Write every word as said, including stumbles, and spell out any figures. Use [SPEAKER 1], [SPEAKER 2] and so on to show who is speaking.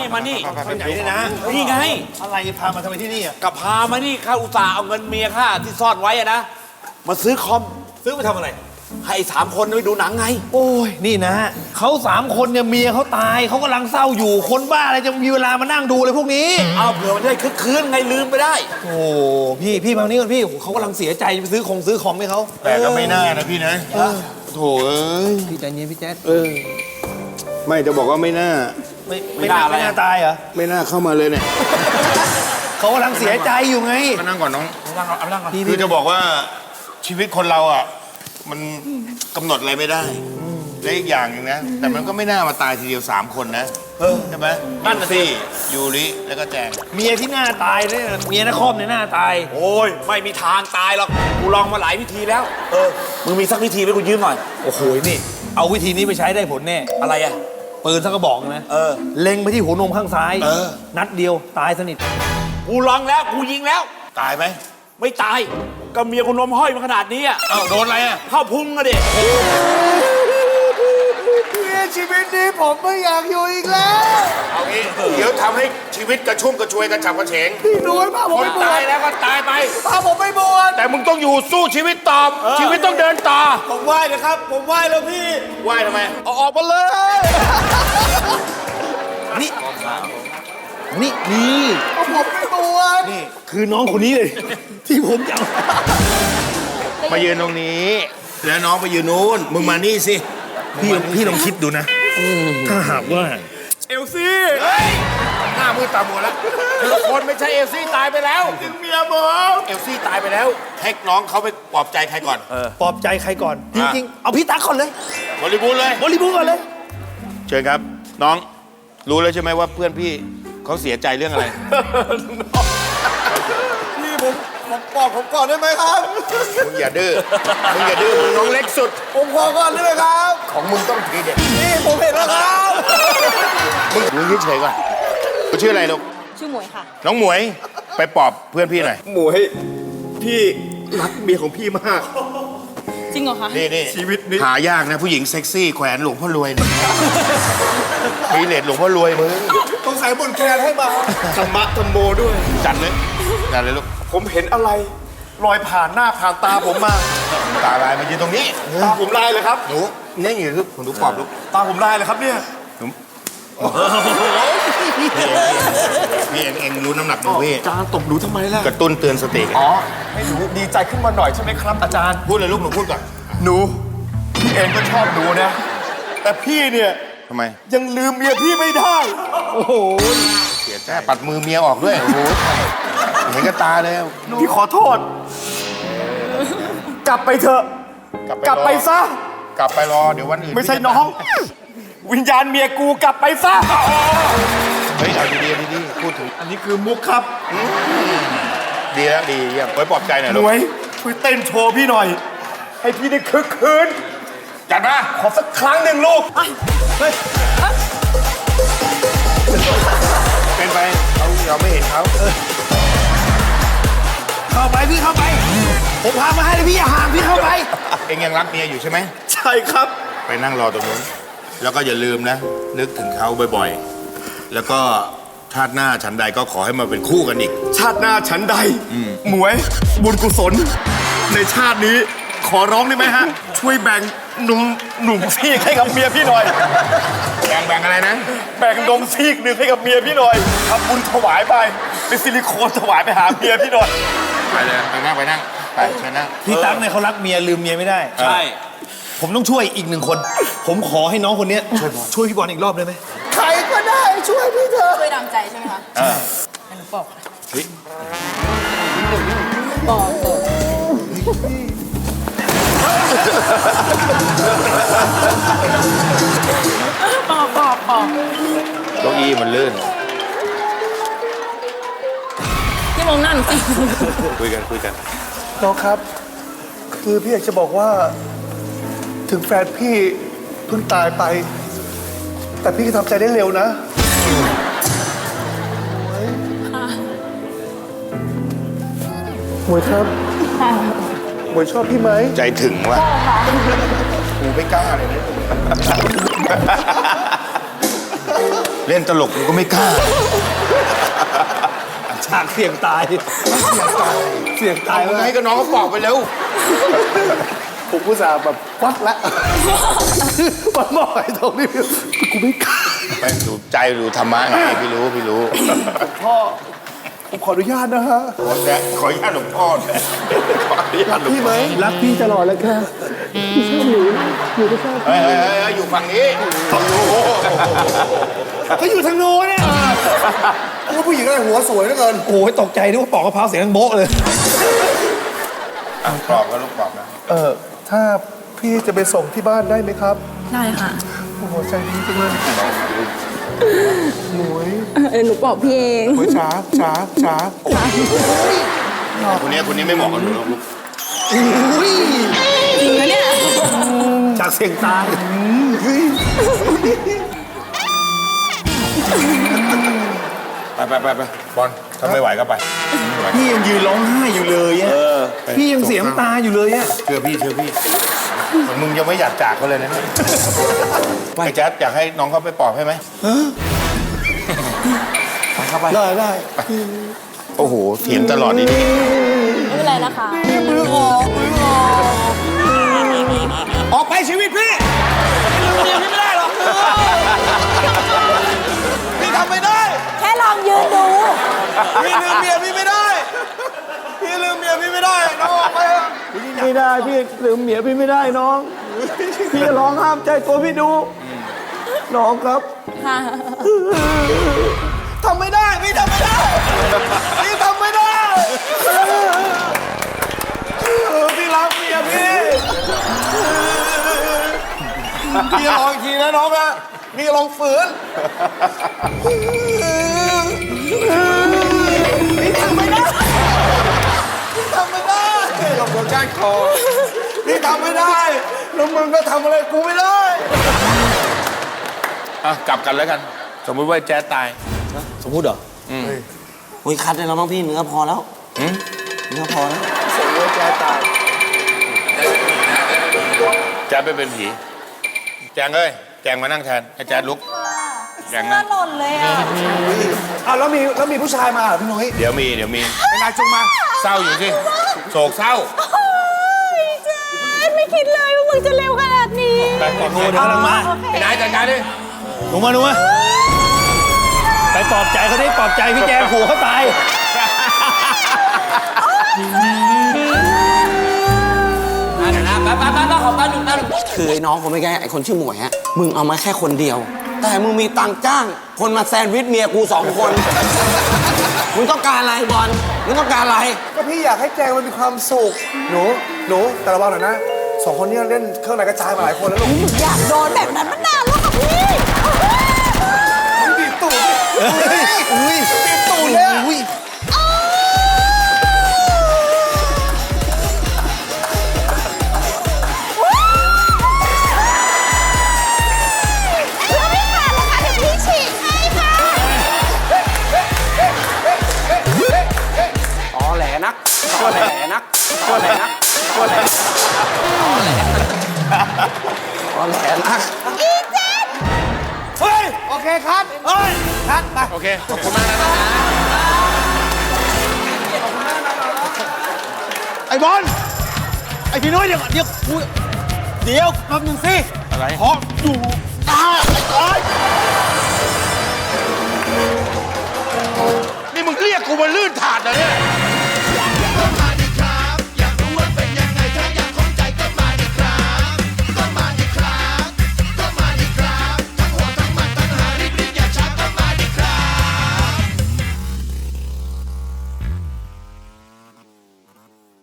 [SPEAKER 1] นี่มานี่
[SPEAKER 2] ไปไหนเนี่ยนะ
[SPEAKER 1] นี่ไง
[SPEAKER 2] อะไรพามาทำไมที่นี่อ่ะ
[SPEAKER 1] กับพามานี่ข้าอุตส่าห์เอาเงินเมียข้าที่ซ่อนไว้อะนะมาซื้อคอม
[SPEAKER 2] ซื้อไปทำอะไร
[SPEAKER 1] ให้สามคนไปดูหนังไง
[SPEAKER 2] โอ้ยนี่นะเขาสามคนเนี่ยเมียเขาตายเขากำลังเศร้าอยู่คนบ้าอะไรจะมีเวลามานั่งดูเลยพวกนี้
[SPEAKER 1] เอาเผื่อมันได้คึกคืนไงลืมไปได้
[SPEAKER 2] โอ้พี่พี่มานี่ก่อนพี่เขากำลังเสียใจไปซื้อของซื้อคอมให้เขา
[SPEAKER 3] แต่ก็ไม่น่านะพี่นะโถเอ้ย
[SPEAKER 2] พี่ใจเย็นพี่แจ๊ด
[SPEAKER 3] เออ ไม่จะบอกว่าไม่น่า
[SPEAKER 2] ไม่ไม่น่าไม่น่าตายเหรอ
[SPEAKER 3] ไม่น่าเข้ามาเลยเนี่ย
[SPEAKER 2] เขากำลังเสียใจอยู่ไง
[SPEAKER 3] มานั่งก่อนน้อง
[SPEAKER 1] เอานั่งเอานั่งก่อน
[SPEAKER 3] คือจะบอกว่าชีวิตคนเราอ่ะ มันกำหนดอะไรไม่ได้และอีกอย่างหนึงนะ แต่มันก็ไม่น่ามาตายทีเดียวสามคนนะใช่ไหมนั่นน่ะสิยูริแล้วก็แจง
[SPEAKER 2] เมียที่หน้าตายเนี่ยเมียนครเนี่ยหน้าตาย
[SPEAKER 1] โอ้ยไม่มีทางตายหรอกกูลองมาหลายวิธีแล้ว เออมึงมีสักวิธีไหมกูยืมหน่อย
[SPEAKER 2] โอ้โหนี่ เอาวิธีนี้ไปใช้ได้ผลแน่
[SPEAKER 1] อะไรอ่ะ
[SPEAKER 2] ปืนสักกระบอกนะ
[SPEAKER 1] เออ
[SPEAKER 2] เล็งไปที่หัวนมข้างซ้าย
[SPEAKER 3] เออ
[SPEAKER 2] นัดเดียวตายสนิท
[SPEAKER 1] กูลองแล้วกูยิงแล้ว
[SPEAKER 3] ตายไหม
[SPEAKER 1] ไม่ตายก็เมียกูนมห้อยมาขนาดนี้อ่ะ
[SPEAKER 3] เอ้าโดนอะไรอ่ะ
[SPEAKER 1] เข้าพุงอะดิ
[SPEAKER 2] ชีวิตนี้ผมไม่อยากอยู่อีกแล้ว
[SPEAKER 3] เอางี้เดี๋ยวทำให้ชีวิตกระชุ่มกระชวยกระฉับกระเฉง
[SPEAKER 2] พี่ดูให้พาผม
[SPEAKER 3] คน
[SPEAKER 2] ไปบว
[SPEAKER 3] ตาย
[SPEAKER 2] ช
[SPEAKER 3] แล้วก็ตายไป
[SPEAKER 2] พาผมไปบวช
[SPEAKER 3] แต่มึงต้องอยู่สู้ชีวิตต่อชีวิตต้องเดินต่อ
[SPEAKER 2] ผมไหว้นะครับ ผมไหว้แล้วพี่
[SPEAKER 3] ไหว้ทำไม
[SPEAKER 2] เอาออกมาเลยนี่นี่นี่ผมไม่บวชนี่คือน้องคนนี้เลย ที่ผมจะเอา
[SPEAKER 3] มายืนตรงนี้ แล้วน้องไปยืนนู้นมึงมานี่สิ
[SPEAKER 2] พี่พี่ลองคิดดูนะถ้าหากว่า
[SPEAKER 1] เอลซี่
[SPEAKER 3] เฮ้ยหน้ามือตามัวแล้วคือคนไม่ใช่เอลซี่ตายไปแล้วเมียผมเอลซี่ตายไปแล้วให้น้องเขาไปปลอบใจใครก่อน
[SPEAKER 2] ปลอบใจใครก่อน จริงๆ เอาพี่ตั๊กก่อนเลย
[SPEAKER 3] บริบูรณ์เลย
[SPEAKER 2] บริบูรณ์ก่อนเลย
[SPEAKER 3] เชิญครับ น้องรู้แล้วใช่ไหมว่าเพื่อนพี่เขาเสียใจเรื่องอะไร
[SPEAKER 2] พี่ผมผมปลอบผมก่อนได้ไหมครับ
[SPEAKER 3] มึงอย่าดื้อมึงอย่าดื้อมึงน้องเล็กสุด
[SPEAKER 2] ผมขอก่อนได้ไหมครับ
[SPEAKER 3] ของมึงต้องทีเด็ด
[SPEAKER 2] นี่ผมเห็นแล้วครับ
[SPEAKER 3] มึงมึงเฉยๆก่อนมึงชื่ออะไรลูก
[SPEAKER 4] ชื่อหมวยค่ะ
[SPEAKER 3] น้องหมวยไปปลอบเพื่อนพี่หน่อย
[SPEAKER 5] หมวยพี่รักเมียของพี่มาก
[SPEAKER 4] จริงเหรอคะ
[SPEAKER 3] นี่นี่
[SPEAKER 5] ชีวิตนี้
[SPEAKER 3] หายากนะผู้หญิงเซ็กซี่แขวนหลวงพ่อรวยเนี่ยมีเลดหลวงพ่อรวยมึง
[SPEAKER 5] ต้องใส่บนแคนให้มาธรรมะธรรมโมด้วย
[SPEAKER 3] จัดเลยจัดเลยลูก
[SPEAKER 5] ผมเห็นอะไรลอยผ่านหน้าผ่านตาผมมา
[SPEAKER 3] ตาลายมายืนตรงนี้
[SPEAKER 5] ตาผมลายเลยครับ
[SPEAKER 3] หนูนี่อยู่ลูกผมดูปอบลูก
[SPEAKER 5] ตาผมลายเลยครับเนี่ย
[SPEAKER 3] พี่เองเองรู้น้ำหนักมือพี่
[SPEAKER 5] อาจารย์ตบหนูทำไมล่ะ
[SPEAKER 3] กระตุ้นเตือนสติ
[SPEAKER 5] อ๋อให้หนูดีใจขึ้นมาหน่อยใช่ไหมครับ อาจารย์
[SPEAKER 3] พูดเลยลูกหนูพูดก่อน
[SPEAKER 5] หนูพี่เองก็ชอบหนูนะ แต่พี่เนี่ย
[SPEAKER 3] ทำไม
[SPEAKER 5] ยังลืมเมียพี่ไม่ได้
[SPEAKER 2] โอ้โห
[SPEAKER 3] เสียใจปัดมือเมียออกด้วยโอ้โหเห็นกับตาเลย
[SPEAKER 5] พี่ขอโทษ กลับไปเถอะ กลับไปซะ
[SPEAKER 3] กลับไปรอเดี๋ยววันอื่น
[SPEAKER 5] ไม่ใช่น้อง วิญญาณเมียกูกลับไปซะ
[SPEAKER 3] เฮ้ยเอาดีๆดีๆพูดถึง
[SPEAKER 5] อันนี้คือมุกครับ
[SPEAKER 3] ดีแล้วดีเยี่ยมไว้ปลอบใจหน่อย
[SPEAKER 5] ห
[SPEAKER 3] ลู
[SPEAKER 5] น่
[SPEAKER 3] ก
[SPEAKER 5] วยช่วยเต้นโชว์พี่หน่อย ให้พี่ได้คึกคืน
[SPEAKER 3] จัดมา
[SPEAKER 5] ขอสักครั้งหนึ่งลูก
[SPEAKER 3] เป็นไปเขาเราไม่เห็นเขา
[SPEAKER 2] เข้าไปพี่เข้าไป ผมพามาให้เลยพี่อย่าห่างพี่เข้าไป
[SPEAKER 3] เองยังรักเมียอยู่ใช่ไหม
[SPEAKER 5] ใช่ครับ
[SPEAKER 3] ไปนั่งรอตรงนู้นแล้วก็อย่าลืมนะ นึกถึงเขาบ่อยๆ แล้วก็ชาติหน้าฉันใดก็ขอให้มาเป็นคู่กันอีก
[SPEAKER 5] ชาติหน้าฉันใด หมวย บุญกุศล ในชาตินี้ ขอร้องได้ไหมฮะ ช่วยแบ่งหนุ่มหนุ่มซีกให้กับเมียพี่หน่อย
[SPEAKER 3] แบ่งแบ่งอะไรนะ
[SPEAKER 5] แบ่งนมซีกหนึ่งให้กับเมียพี่หน่อยทำบุญถวายไปเป็นซิลิโคนถวายไปหาเมียพี่หน่อย
[SPEAKER 3] ไปเลยไปนั่งไปนั่งไปเชิญนั่ง
[SPEAKER 2] พี่ตั๊กเนี่ยเขารักเมียลืมเมียไม่ได้
[SPEAKER 1] ใช่
[SPEAKER 2] ผมต้องช่วยอีกหนึ่งคน ผมขอให้น้องคนเนี้ยช่วยช่วยพี่บอลอีกรอบได้ไหม
[SPEAKER 5] ใครก็ได้ช่วยพี่เถอะ
[SPEAKER 4] ช่วยดามใจใช่ไหมคะให้หนูบอกค่ะ
[SPEAKER 3] เฮ้ย
[SPEAKER 4] บอกบอกบอกบอกบอก
[SPEAKER 3] เก้าอี้มันลื่น
[SPEAKER 4] พี่มองหน้าหนูสิ
[SPEAKER 3] คุยกันคุยกัน
[SPEAKER 5] น้องครับ คือพี่อยากจะบอกว่า ถึงแฟนพี่เพิ่งตายไป แต่พี่ก็ทำใจได้เร็วนะหมวยครับหมวยชอบพี่ไหม
[SPEAKER 3] ใจถึงว่ะกูไม่กล้าเลยนะเล่นตลกกูก็ไม่กล้า
[SPEAKER 2] ฉากเสี่ยงตาย เสี่ยงตาย
[SPEAKER 3] เอา
[SPEAKER 2] เสี่ยงตาย
[SPEAKER 3] มึงให้กับน้องเขาปอกไปเร็ว
[SPEAKER 2] ผมอุตส่าห์แบบฟัดแล้วมันบอกไอ้ตรงนี้กูไม่กล้า
[SPEAKER 3] ไปดูใจดูธรรมะไงพี่รู้พี่รู้
[SPEAKER 2] พ่อผมขออนุญาตนะฮะ
[SPEAKER 3] คนเนี้ยขออนุญาตหลวงพ่อเนี่ยขออนุญาตหลวง
[SPEAKER 2] พี่
[SPEAKER 3] พ่
[SPEAKER 2] ไหม
[SPEAKER 3] อ
[SPEAKER 2] รักพี่ตลอดแล้วค่ะพี่ชอบหนูหนูก็ชอบ
[SPEAKER 3] เฮ้ยเฮ้ยเฮ้ยเฮ้ยอยู่ฝั่งนี้ฝั่งนู้น
[SPEAKER 2] ก็อยู่ทางโน้นเนี่ยว่าผู้หญิงอะไรหัวสวยเหลือเกินโอ้ยตกใจนึกว่าปอกกะเพราเสียงโบ๊ะเลย
[SPEAKER 3] อ่ะปลอบก็ลูกปลอบนะ
[SPEAKER 2] เออถ้าพี่จะไปส่งที่บ้านได้ไหมครับ
[SPEAKER 4] ได้ค่ะ
[SPEAKER 2] โอ้โหใจดีจังเลยหมวย
[SPEAKER 4] เออหนูบอกพี่เอง
[SPEAKER 2] หมวยจ๋าจ๋าจ๋า
[SPEAKER 3] คนนี้คนนี้ไม่เหมาะกับหนูหรอกลูก
[SPEAKER 2] อุ้ย
[SPEAKER 4] จริงนะเนี่ย
[SPEAKER 2] จากเสียงตายเฮ้ย
[SPEAKER 3] ไปไปไปไปบอลถ้าไม่ไหวก็ไปไม่ไหว
[SPEAKER 2] พี่ยังยืนร้องไห้อยู่เลยอะ
[SPEAKER 3] ไป
[SPEAKER 2] พี่ยังเสียน้ำตาอยู่เลยอะ
[SPEAKER 3] เชื่อพี่เชื่อพี่เหมือนมึงยังไม่อยากจากเขาเลยนะเนี่ยไอ้แจ๊ดอยากให้น้องเขาไปปลอบให้ไหมไปเข้าไป
[SPEAKER 2] ได้ได้
[SPEAKER 3] โอ้โหเถียงตลอดดีดี
[SPEAKER 4] ไม่เป็นไรนะคะ
[SPEAKER 2] มือออกมือออก
[SPEAKER 1] ออกไปชีวิตพี่ไม่ลืมเมียพี่ไม่ได้หรอกพี่ทำไม่ได้
[SPEAKER 4] แค่ลองยืนดู
[SPEAKER 1] พี่ลืมเมียพี่ไม่ได้ พี่ลืมเมียพี่ไม่ได้ น้องออกไปเถอะ
[SPEAKER 2] ไม่ได้พี่ลืมเมียพี่ไม่ได้น้อง พี่จะร้องห้ามใจตัวพี่ดู น้องครับ
[SPEAKER 4] ค่ะ
[SPEAKER 1] ทำไม่ได้ พี่ทำไม่ได้ พี่ทำไม่ได้พี่รักเมียพี่ พี่ลองอีกทีนะน้องนะพี่ลองฝืนพี่ทำไม่ได้ พี่ทำไม่ได้กับหัวก้านคอพี่ทำไม่ได้ แล้วมึงก็ทำอะไรกูไม่ได้
[SPEAKER 3] อ่ะกลับกันแล้วกัน สมมุติว่าแจ๊ดตาย
[SPEAKER 2] สมมุติเหรอ
[SPEAKER 6] โอ้ยคัดได้แล้วมั้งพี่เนื้อพอแล้ว
[SPEAKER 3] หืม
[SPEAKER 6] เนื้อพอแล้ว
[SPEAKER 2] สมมติแกตาย
[SPEAKER 3] แจ๊ดไปเป็นผีแจงเอ้ยแจงมานั่งแทนให้แจ๊ดลุกแจงนั่ง
[SPEAKER 4] หล่นเลยอ่ะ
[SPEAKER 2] อ้าวแล้วมีแล้วมีผู้ชายมาเหรอพี่นุ้ย
[SPEAKER 3] เดี๋ยวมีเดี๋ยวมี
[SPEAKER 2] เป็นนายจุงมา
[SPEAKER 3] เศร้าอยู่สิโศกเศร้า
[SPEAKER 4] เจ๊ไม่คิดเลยว่ามึงจะเร็วขนาดนี้
[SPEAKER 3] ไปก่อน
[SPEAKER 2] โอ้เดี๋ยวกำลังมา
[SPEAKER 3] ไปไหนจัดการดิ
[SPEAKER 2] หนูมาหนูมาไปปลอบใจเขาได้ปลอบใจพี่แจงผัวเขาตาย
[SPEAKER 6] คือไอ้น้องคนไม่แก่ไอ้คนชื่อหมวยฮะมึงเอามาแค่คนเดียว แต่มึงมีตังค์จ้าง คนมาแซนด์วิชเมียกูสองคน มึงต้องการอะไรบอลมึงต้องการอะไร
[SPEAKER 2] ก็พี่อยากให้แจงมันมีความสุข หนู หนู แต่ระวังหน่อยนะ สองคนนี้เล่นเครื่องไหนกระจายมาหลายคนแล้วลูก
[SPEAKER 4] อยากโดนแบบนั้นมานานแล้วค่ะพี่
[SPEAKER 2] บีบตูดอุ้ยบีบตูดเลยอุ้ย
[SPEAKER 4] แล้วไม่ขาดหรอกค่ะเดี๋ยวพี่ฉีกให้ค่ะ
[SPEAKER 6] อ๋อแหลนักก็แหลนักก็แหลนักก็แหลอ๋อแหลอ๋อแหลนัก
[SPEAKER 2] เฮ้ย โอเคคัดเฮ้ย คัดไป
[SPEAKER 3] โอเคขอบคุณมากนะ
[SPEAKER 2] ไอ้บอล ไอ้พี่นุ้ยเดี๋ยวเดี๋ยวกูเดี๋ยวแป๊บนึงสิ
[SPEAKER 3] อะไร
[SPEAKER 2] ขออยู่ตาไอ้
[SPEAKER 3] นี่มึงเรียกกูมาลื่นถาดเหรอเนี่ย